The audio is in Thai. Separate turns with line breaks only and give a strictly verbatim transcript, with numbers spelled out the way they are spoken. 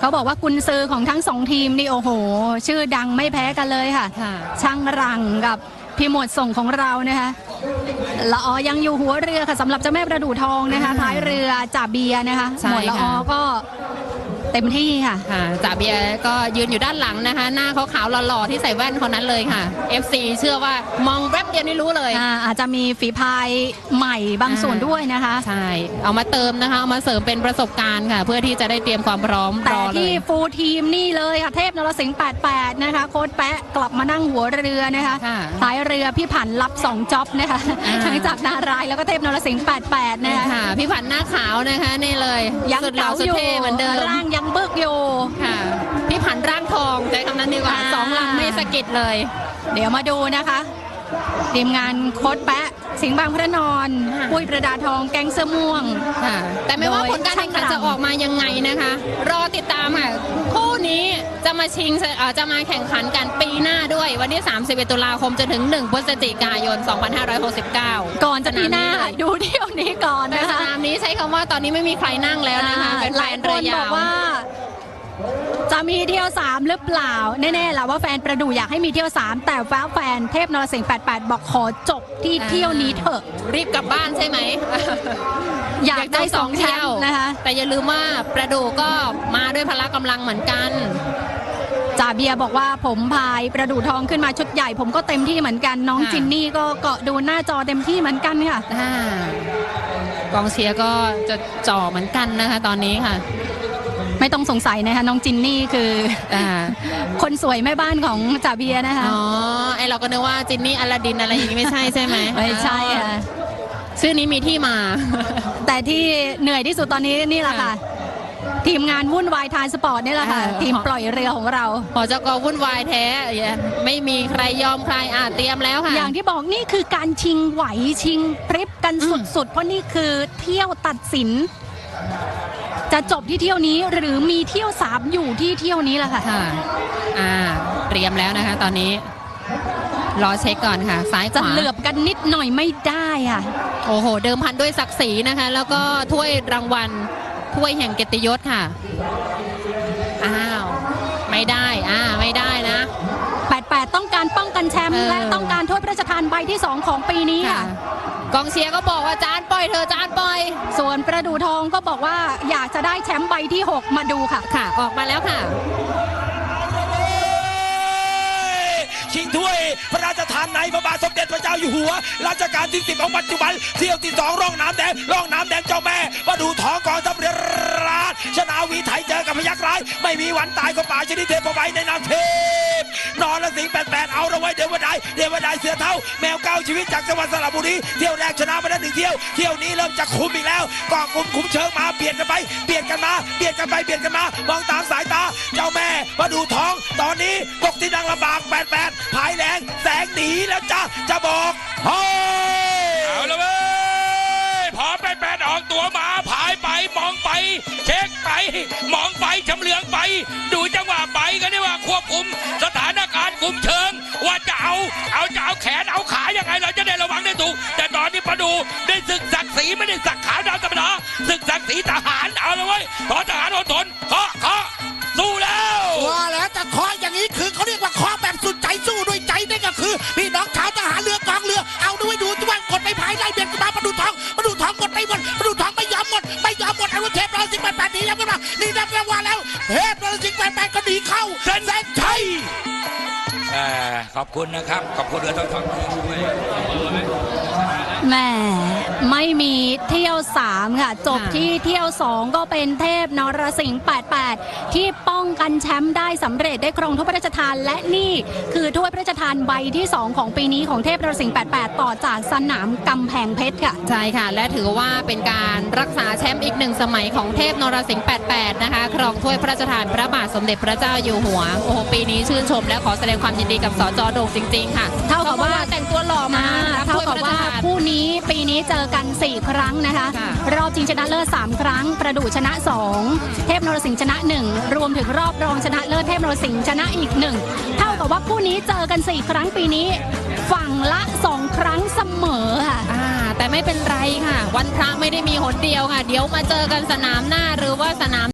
เขาบอกว่ากุนซือของทั้งสองทีมนี่โอ้โหชื่อดังไม่แพ้กันเลยค่ะช่างรังกับพี่หมวดส่งของเรานะคะละออยังอยู่หัวเรือค่ะสำหรับเจ้าแม่ประดู่ทองนะคะท้ายเรือจ่าเบียนะคะหมวดละออก็เต็มที่ค่ะ
จ่าเบียก็ยืนอยู่ด้านหลังนะคะหน้าเขาขาวหล่อๆที่ใส่แว่นคนนั้นเลยค่ะ เอฟ ซี เชื่อว่ามองแป๊บเดียวนี่รู้เลย
อาอาจจะมีฝีพายใหม่บางส่วนด้วยนะคะ
ใช่เอามาเติมนะคะเอามาเสริมเป็นประสบการณ์ค่ะเพื่อที่จะได้เตรียมความพร้อม
แต่ที่ฟูลทีมนี่เลยค่ะเทพนรสิงห์แปดแปดนะคะโค้ชแปะกลับมานั่งหัวเรือนะคะท้ายเรือพี่ผันรับสองจ็อบนะคะทั้งจากนารายแล้วก็เทพนรสิงห์แปดแปดนะคะ
พี่ผันหน้าขาวนะคะนี่เลย
ยังเก๋าอยู่
เหมือนเดิม
ร่างยังบึกอยู่
ค่ะพี่ผันร่างทองใจคำนั้นดีกว่าสองลำไม่สะกิดเลย
เดี๋ยวมาดูนะคะทีมงานโค้ชแปะสิงห์บางพระนอนปุ้ยประดาทองแกงเสื้อม่วง
แต่ไม่ว่าผลการแข่งขันจะออกมายังไงนะคะรอติดตามค่ะคู่นี้จะมาชิงจะมาแข่งขันกันปีหน้าด้วยวันที่สามสิบเอ็ดตุลาคมจนถึงหนึ่งพฤศจิกายนสองพันห้าร้อยหกสิบเก้า
ก่อนจะปีหน้าดูเที่ยวนี้ก่อนนะคะ
สนามนี้ใช้คำว่าตอนนี้ไม่มีใครนั่งแล้วนะคะเป็นแฟนเรือยาว
จะมีเที่ยวสามหรือเปล่าแน่ๆแหละว่าแฟนประดู่อยากให้มีเที่ยวสามแต่แฟนเทพนรสิงห์แปดแปดบอกขอจบที่เที่ยวนี้เถอะ
รีบกลับบ้านใช่ไหม
อยากได้สองเที่ยวนะคะ
แต่อย่าลืมว่าประดู่ก็มาด้วยพละกำลังเหมือนกัน
จ่าเบียบอกว่าผมพายประดู่ทองขึ้นมาชุดใหญ่ผมก็เต็มที่เหมือนกันน้องจินนี่ก็เกาะดูหน้าจอเต็มที่เหมือนกันค่ะ
กองเชียร์ก็จะจ่อเหมือนกันนะคะตอนนี้ค่ะ
ไม่ต้องสงสัยนะคะน้องจินนี่คือคนสวยแม่บ้านของจ่าเบียนะคะ
อ๋อไอเราก็นึกว่าจินนี่อลาดินอะไรอย่างนี้ไม่ใช่ใช่ไหม
ไม่ใช่ค่ะ
ชื่อนี้มีที่มา
แต่ที่เหนื่อยที่สุดตอนนี้นี่แหละค่ะทีมงานวุ่นวายทานสปอร์ตนี่แหละค่ะทีมปล่อยเรือของเรา
พอจะก็วุ่นวายแท้ไม่มีใครยอมใครอ่ะเตรียมแล้วค่ะ
อย่างที่บอกนี่คือการชิงไหวชิงพริบกันสุดๆเพราะนี่คือเที่ยวตัดสินจะจบที่เที่ยวนี้หรือมีเที่ยวสามอยู่ที่เที่ยวนี้แหละค่ะ
อ่าเตรียมแล้วนะคะตอนนี้รอเช็คก่อนค่ะซ้ายขวา
จะเหลือบกันนิดหน่อยไม่ได้อ่ะ
โอ้โหเดิมพันด้วยศักดิ์ศรีนะคะแล้วก็ถ้วยรางวัลถ้วยแห่งเกียรติยศค่ะอ้าวไม่ได้อ่าไม่ได้นะ
แปดแปดต้องการป้องกันแชมป์และต้องการถ้วยพระราชทานใบที่สองของปีนี้ค่ะ
กองเชียร์ก็บอกว่าจานปล่อยเธอจานปล่อย
ส่วนประดู่ทองก็บอกว่าอยากจะได้แชมป์ใบที่หกมาดูค่ะ
ค่ะออกมาแล้วค่ะ
ชิงถ้วยพระราชทานในพระบาทสมเด็จพระเจ้าอยู่หัวรัชกาลที่สิบของปัจจุบันเที่ยวที่สองร่องน้ำแดงร่องน้ำแดงเจ้าแม่ประดู่ทองกองทัพเรือราชชนาวีไทยเจอกับพยัคฆ์ร้ายไม่มีวันตายก็ป่าชนิดเทพไว้ในนามเทพนรสิงห์แปดแปดเอาละไว้เดี๋ยววันใดเดี๋ยววันใดเสือเท่าแมวเก้าชีวิตจากจังหวัดสระบุรีเที่ยวแรกชนะมาได้หนึ่งเที่ยวเที่ยวนี้เริ่มจะคุมอีกแล้วก็คุมคุมเชิงมาเปลี่ยนกันไปเปลี่ยนกันมาเปลี่ยนกันไปเปลี่ยนกันมามองตามสายตาเจ้าแม่ประดู่ทองตอนนี้ตกที่นั่งลำบากแปดแปดภายแรงแสงหนีแล้วจ้าจะบอกเฮ้ย
เอาละเว้ยพอแปดแปดออกตัวมาผายไปมองไปเช็คไปมองไปชำเลืองไปดูจังหวะไปกันได้ว่าควบคุมสถานการณ์คุมเชิงว่าจะเอาเอาจะเอาแขนเอาขายังไงเราจะได้ระวังได้ถูกแต่ตอนนี้ประดูได้ศึกศักดิ์ศรีไม่ได้ศักดิ์ขาวดำธรรมดาศึกศักดิ์ศรีทหารเอาละเว้ยททหารอดทนเคาะเคาะสู้แล้ว
ว่าแล้วแต่เคาะอย่างนี้คือเขาเรียกว่าเคาะแบบสุดใจสู้ด้วยใจนี่ก็คือพี่น้องชาวทหารเรือกองเรือเอาด้วยดูทุกวันกดไปภายไล่เบียดมาประดูทองประดูทองกดไปหมดประดูทองไม่ยอมหมดไม่ยอมหมดไอ้รุ่นเทพนรสิงห์แปดแปดนี้ยังไม่มานี่นับรางวัลแล้วเทพนรสิงห์แปดแปดก็หนีเข้า
เส้นชัย
ขอบคุณนะครับขอบคุณเรือทั้งสองด้วย
แม่ไม่มีเที่ยวสามค่ะจบที่เที่ยวสองก็เป็นเทพนรสิงห์แปดแปดที่ป้องกันแชมป์ได้สำเร็จได้ครองถ้วยพระราชทานและนี่คือถ้วยพระราชทานใบที่สองของปีนี้ของเทพนรสิงห์แปดแปดต่อจากสนามกำแพงเพชรค่ะ
ใช่ค่ะและถือว่าเป็นการรักษาแชมป์อีกหนึ่งสมัยของเทพนรสิงห์แปดแปดนะคะครองถ้วยพระราชทานพระบาทสมเด็จพระเจ้าอยู่หัวโอ้โหปีนี้ชื่นชมและขอแสดงความยินดีกับสจ.โด่งจริงๆค่ะ
เท่ากับว่า
แต่งตัวหล่อมา
เท่ากับว่าคู่นี้ปีนี้เจอกันสี่ครั้งนะคะรอบชิงชนะเลิศสามครั้งประดู่ชนะสองเทพนรสิงห์ชนะหนึ่งรวมถึงรอบรองชนะเลิศเทพนรสิงห์ชนะอีกหนึ่งเท่ากับว่าคู่นี้เจอกันสี่ครั้งปีนี้ฝั่งละสองครั้งเสมอค่ะ
แต่ไม่เป็นไรค่ะวันพระไม่ได้มีหนเดียวค่ะเดี๋ยวมาเจอกันสนามหน้าหรือว่าสนาม